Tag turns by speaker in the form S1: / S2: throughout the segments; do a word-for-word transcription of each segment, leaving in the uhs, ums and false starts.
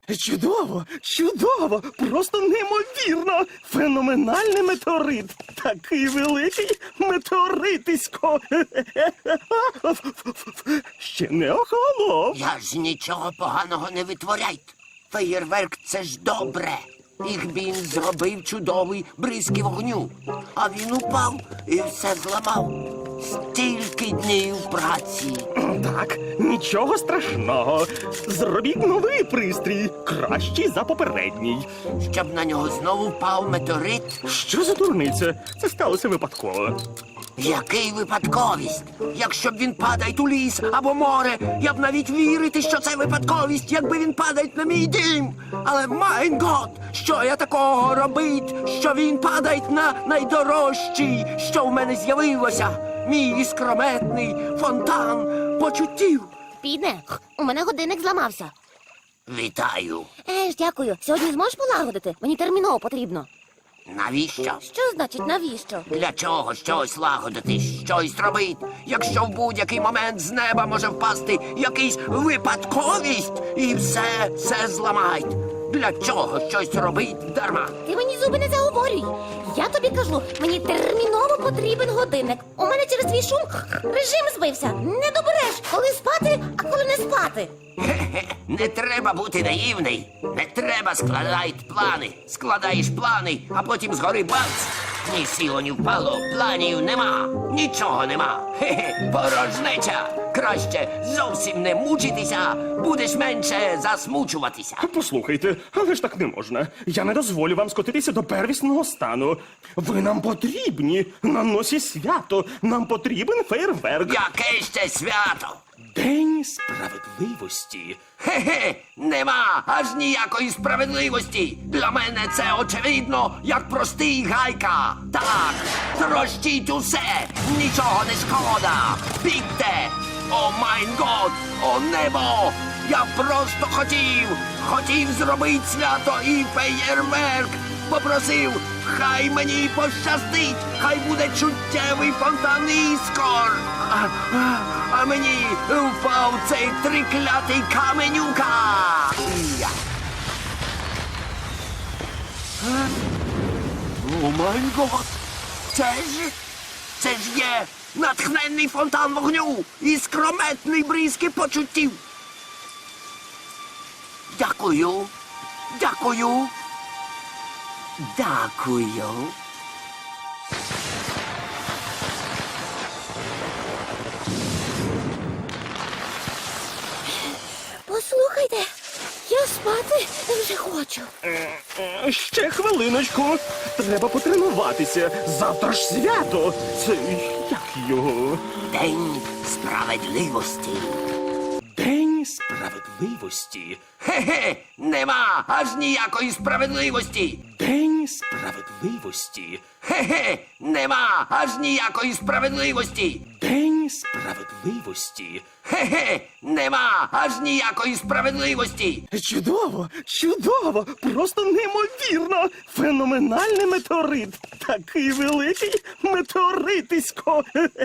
S1: Чудово, чудово, просто неймовірно. Феноменальний метеорит. Такий великий метеоритисько. Ще не охолонув.
S2: Я ж нічого поганого не витворяйте. Феєрверк – це ж добре. Їх він зробив чудовий бризки вогню. А він упав і все зламав. Стільки днів праці.
S1: Так, нічого страшного. Зробіть новий пристрій, кращий за попередній.
S2: Щоб на нього знову впав метеорит.
S1: Що за дурниця? Це сталося випадково.
S2: Який випадковість? Якщо б він падає у ліс або море, я б навіть вірити, що це випадковість, якби він падає на мій дім. Але, майн гот, що я такого робить, що він падає на найдорожчий, що в мене з'явилося? Мій іскрометний фонтан почуттів.
S3: Підне, у мене годинник зламався.
S2: Вітаю.
S3: Е ж, дякую. Сьогодні зможеш полагодити? Мені терміново потрібно.
S2: Навіщо?
S3: Що значить навіщо?
S2: Для чого щось лагодити, щось робить, якщо в будь-який момент з неба може впасти якийсь випадковість і все, все зламають? Для чого щось робить дарма?
S3: Ти мені зуби не заговорюй. Я тобі кажу, мені терміново потрібен годинник. У мене через твій шум режим збився. Не добереш, коли спати, а коли не спати.
S2: Хе-хе, не треба бути наївний. Не треба складати плани. Складаєш плани, а потім згори бац. Ні сіло, ні впало, планів нема. Нічого нема. Хе-хе, порожнеча. Краще зовсім не мучитися, будеш менше засмучуватися.
S1: Послухайте, але ж так не можна. Я не дозволю вам скотитися до первісного стану. Ви нам потрібні. На носі свято. Нам потрібен фейерверк.
S2: Яке ще свято?
S1: День справедливості.
S2: Хе-хе, нема аж ніякої справедливості. Для мене це очевидно, як простий гайка. Так, трощіть усе, нічого не шкода. Бігте! О майн год, о небо! Я просто хотів, хотів зробити свято і феєрверк. Попросив, хай мені пощастить, хай буде чуттєвий фонтан іскор. А, а, а мені впав цей триклятий каменюка. Я. Е? О май гот! Це ж, це ж є натхненний фонтан вогню і скрометний бризки почуттів. Дякую, дякую, дякую.
S3: Послухайте, я спати вже хочу.
S1: Е, Ще хвилиночку. Треба потренуватися. Завтра ж свято. Це як його?
S2: День справедливості.
S1: День справедливості.
S2: Хе-хе, нема аж ніякої справедливості.
S1: День справедливості.
S2: Хе-хе, нема аж ніякої справедливості.
S1: День справедливості.
S2: Хе-хе, нема аж ніякої справедливості.
S1: Чудово, чудово, просто неймовірно. Феноменальний метеорит. Такий великий метеоритисько.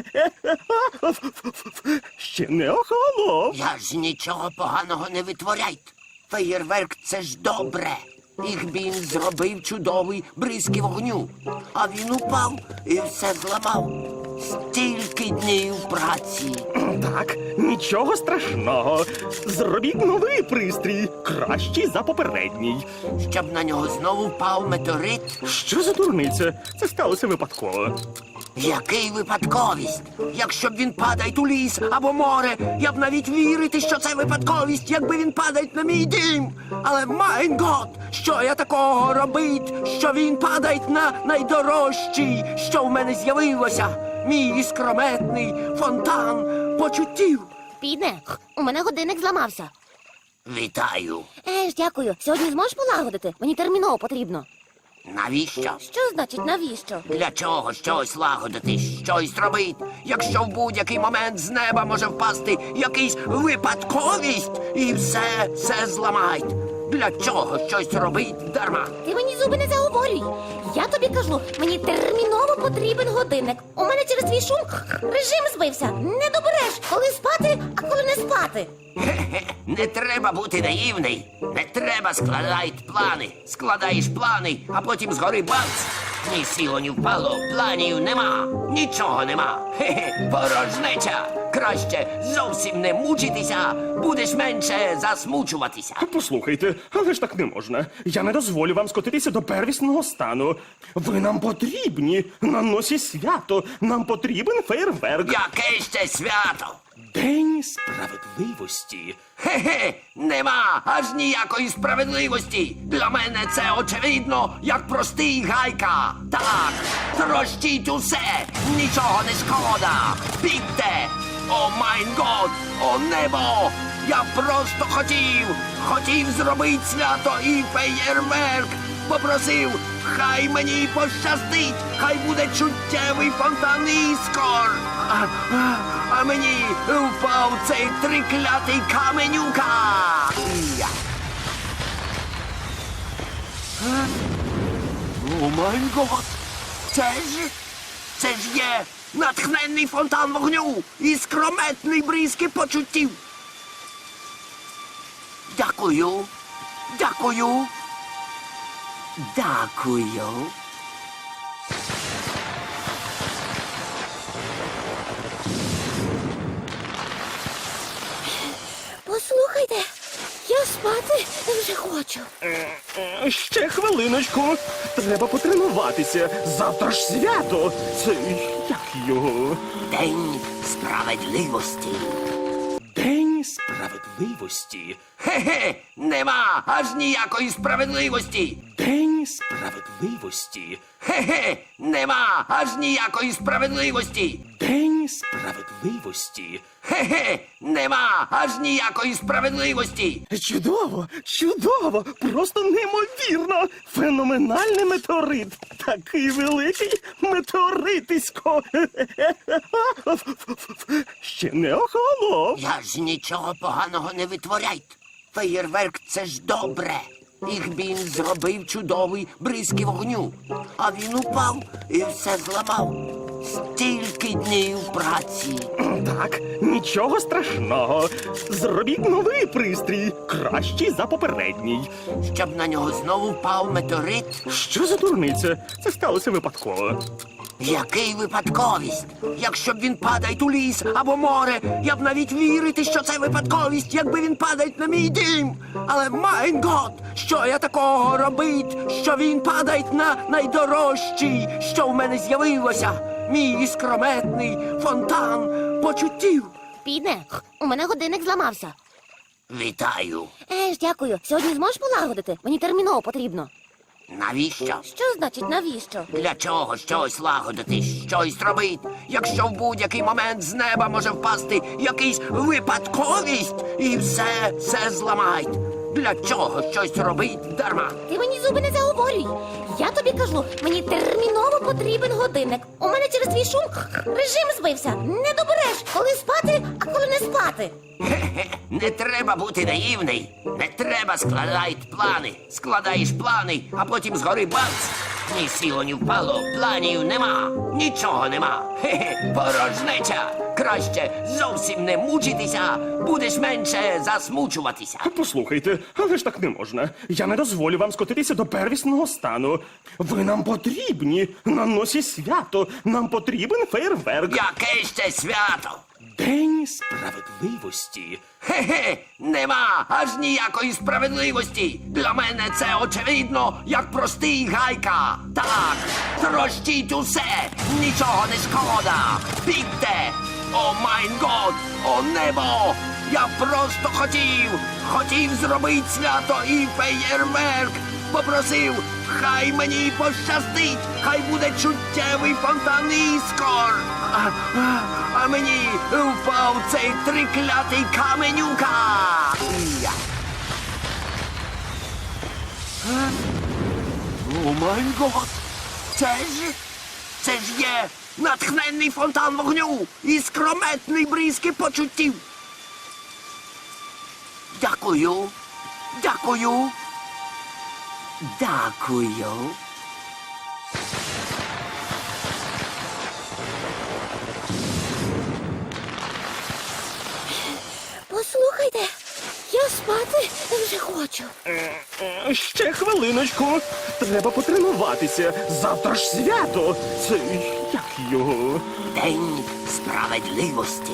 S1: Ще не охолонув.
S2: Я ж нічого поганого не витворяйте. Феєрверк – це ж добре. Їх він зробив чудовий бризки вогню. А він упав і все зламав. Стільки днів праці.
S1: Так, нічого страшного. Зробіть новий пристрій, кращий за попередній.
S2: Щоб на нього знову впав метеорит.
S1: Що за дурниця? Це сталося випадково.
S2: Який випадковість? Якщо б він падає у ліс або море, я б навіть вірити, що це випадковість, якби він падає на мій дім. Але, майн гот, що я такого робить, що він падає на найдорожчий, що в мене з'явилося? Мій іскрометний фонтан почуттів.
S3: Підне, у мене годинник зламався.
S2: Вітаю.
S3: Е ж, дякую. Сьогодні зможеш полагодити? Мені терміново потрібно.
S2: Навіщо?
S3: Що значить навіщо?
S2: Для чого щось лагодити, щось робить, якщо в будь-який момент з неба може впасти якийсь випадковість і все, все зламають? Для чого щось робить дарма?
S3: Ти мені зуби не заговорюй. Я тобі кажу, мені терміново потрібен годинник. У мене через твій шум режим збився. Не добереш, коли спати, а коли не спати. спати.
S2: Хе-хе, не треба бути наївний. Не треба складати плани. Складаєш плани, а потім згори бац. Ні сіло, ні впало, планів нема, нічого нема. Хе-хе, порожнеча. Краще зовсім не мучитися, будеш менше засмучуватися.
S1: Послухайте, але ж так не можна. Я не дозволю вам скотитися до первісного стану. Ви нам потрібні на носі свято. Нам потрібен фейерверк.
S2: Яке ще свято?
S1: День справедливості.
S2: Хе-хе, нема аж ніякої справедливості. Для мене це очевидно, як простий гайка. Так, трощіть усе, нічого не шкода. Бігте! О майн год, о небо! Я просто хотів, хотів зробити свято і феєрверк. Попросив, хай мені пощастить, хай буде чуттєвий фонтан іскор. А, а, а мені впав цей триклятий каменюка. Я. Е? О май гот! Це ж, це ж є натхненний фонтан вогню і скрометний бризки почуттів. Дякую, дякую. Дякую.
S3: Послухайте, я спати вже хочу.
S1: Е, Ще хвилиночку. Треба потренуватися. Завтра ж свято. Це як його?
S2: День справедливості.
S1: День справедливості.
S2: Хе-хе, нема аж ніякої справедливості.
S1: День справедливості.
S2: Хе-хе, нема аж ніякої справедливості.
S1: День справедливості.
S2: Хе-хе, нема аж ніякої справедливості.
S1: Чудово, чудово, просто неймовірно. Феноменальний метеорит. Такий великий метеоритисько. Ще не охолонув.
S2: Я ж нічого поганого не витворяйте. Феєрверк це ж добре. Їх він зробив чудовий бризки вогню. А він упав і все зламав. Стільки днів праці.
S1: Так, нічого страшного. Зробіть новий пристрій, кращий за попередній.
S2: Щоб на нього знову впав метеорит.
S1: Що за дурниця? Це сталося випадково.
S2: Який випадковість? Якщо б він падає у ліс або море, я б навіть вірити, що це випадковість, якби він падає на мій дім. Але майн гот, що я такого робить, що він падає на найдорожчий, що в мене з'явилося. Мій іскрометний фонтан почуттів.
S3: Підне, у мене годинник зламався.
S2: Вітаю.
S3: Еж, дякую. Сьогодні зможеш полагодити? Мені терміново потрібно.
S2: Навіщо?
S3: Що значить навіщо?
S2: Для чого щось лагодити, щось робити, якщо в будь-який момент з неба може впасти якийсь випадковість і все, все зламають. Для чого щось робить дарма?
S3: Ти мені зуби не заговорюй. Я тобі кажу, мені терміново потрібен годинник. У мене через твій шум режим збився. Не добереш, коли спати, а коли не спати.
S2: Хе-хе, не треба бути наївний. Не треба складати плани. Складаєш плани, а потім згори бац. Ні сіло, ні впало, планів нема, нічого нема. Хе-хе, порожнеча. Краще зовсім не мучитися, будеш менше засмучуватися.
S1: Послухайте, але ж так не можна. Я не дозволю вам скотитися до первісного стану. Ви нам потрібні на носі свято. Нам потрібен фейерверк.
S2: Яке ще свято?
S1: День справедливості.
S2: Хе-хе, нема аж ніякої справедливості. Для мене це очевидно, як простий гайка. Так, трощіть усе, нічого не шкода. Бігте! О майн год, о небо! Я просто хотів, хотів зробити свято і феєрверк. Попросив, хай мені пощастить, хай буде чуттєвий фонтан іскор. А, а, а мені впав цей триклятий каменюка. Я. Е? О май гот! Це ж, це ж є натхненний фонтан вогню і скрометний бризки почуттів. Дякую, дякую. Дякую.
S3: Послухайте, я спати вже хочу.
S1: Е, е, Ще хвилиночку. Треба потренуватися. Завтра ж свято. Це як його?
S2: День справедливості.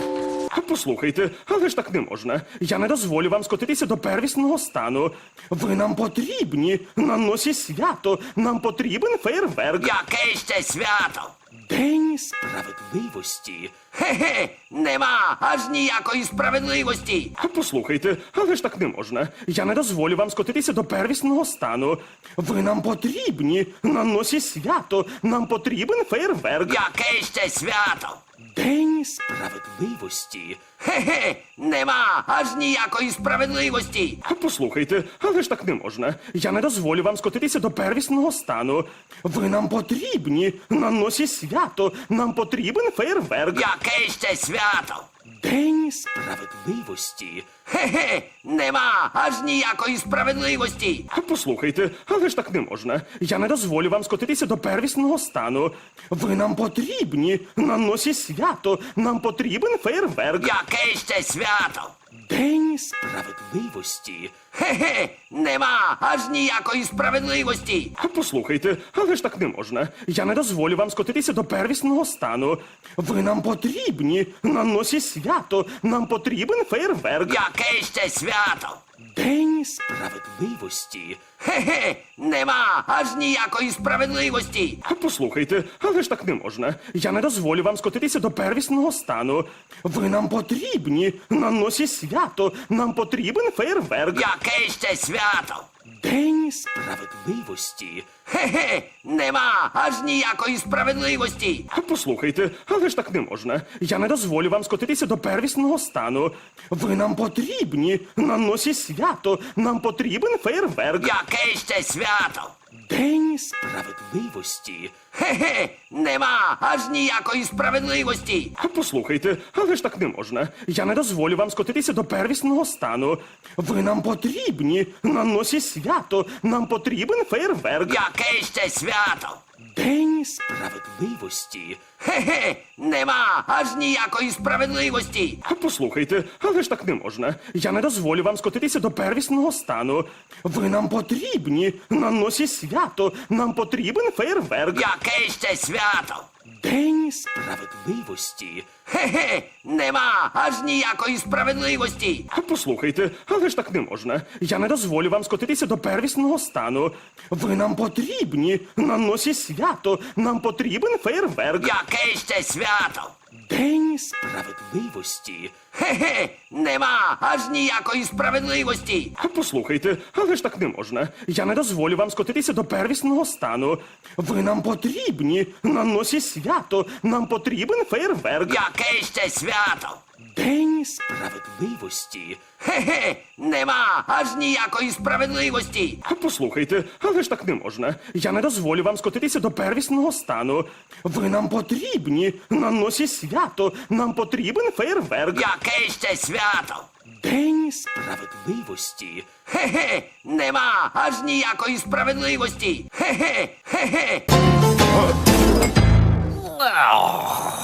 S1: Послухайте, але ж так не можна. Я не дозволю вам скотитися до первісного стану. Ви нам потрібні. На носі свято. Нам потрібен фейерверк.
S2: Яке ще свято?
S1: День справедливості.
S2: Хе-хе, нема аж ніякої справедливості.
S1: Послухайте, але ж так не можна. Я не дозволю вам скотитися до первісного стану. Ви нам потрібні. На носі свято. Нам потрібен фейерверк.
S2: Яке ще свято?
S1: День справедливості.
S2: Хе-хе, нема аж ніякої справедливості.
S1: Послухайте, але ж так не можна. Я не дозволю вам скотитися до первісного стану. Ви нам потрібні. На носі свято. Нам потрібен фейерверк.
S2: Яке ще свято?
S1: День справедливості.
S2: Хе-хе, нема аж ніякої справедливості.
S1: Послухайте, але ж так не можна. Я не дозволю вам скотитися до первісного стану. Ви нам потрібні. На носі свято. Нам потрібен фейерверк.
S2: Яке ще свято?
S1: День справедливості.
S2: Хе-хе, нема аж ніякої справедливості.
S1: Послухайте, але ж так не можна. Я не дозволю вам скотитися до первісного стану. Ви нам потрібні. На носі свято. Нам потрібен фейерверк.
S2: Яке ще свято?
S1: День справедливості.
S2: Хе-хе, нема аж ніякої справедливості.
S1: Послухайте, але ж так не можна. Я не дозволю вам скотитися до первісного стану. Ви нам потрібні. На носі свято. Нам потрібен фейерверк.
S2: Яке ще свято?
S1: День справедливості.
S2: Хе-хе, нема аж ніякої справедливості.
S1: Послухайте, але ж так не можна. Я не дозволю вам скотитися до первісного стану. Ви нам потрібні. На носі свято. Нам потрібен фейерверк.
S2: Яке ще свято?
S1: День справедливості.
S2: Хе-хе, нема аж ніякої справедливості.
S1: Послухайте, але ж так не можна. Я не дозволю вам скотитися до первісного стану. Ви нам потрібні. На носі свято. Нам потрібен фейерверк.
S2: Яке ще свято?
S1: День справедливості.
S2: Хе-хе, нема аж ніякої справедливості.
S1: Послухайте, але ж так не можна. Я не дозволю вам скотитися до первісного стану. Ви нам потрібні. На носі свято. Нам потрібен фейерверк.
S2: Яке ще свято?
S1: День справедливості.
S2: Хе-хе, нема аж ніякої справедливості.
S1: Послухайте, але ж так не можна. Я не дозволю вам скотитися до первісного стану. Ви нам потрібні. На носі свято. Нам потрібен фейерверк.
S2: Яке ще свято?
S1: День справедливості.
S2: Хе-хе, нема аж ніякої справедливості.
S1: Послухайте, але ж так не можна. Я не дозволю вам скотитися до первісного стану. Ви нам потрібні. На носі свято. Нам потрібен фейерверк.
S2: Яке ще свято?
S1: День справедливості.
S2: Хе-хе, нема аж ніякої справедливості.
S1: Послухайте, але ж так не можна. Я не дозволю вам скотитися до первісного стану. Ви нам потрібні. На носі свято. Нам потрібен фейерверк.
S2: Яке ще свято?
S1: День справедливості.
S2: Хе-хе, нема аж ніякої справедливості. Хе-хе, хе-хе.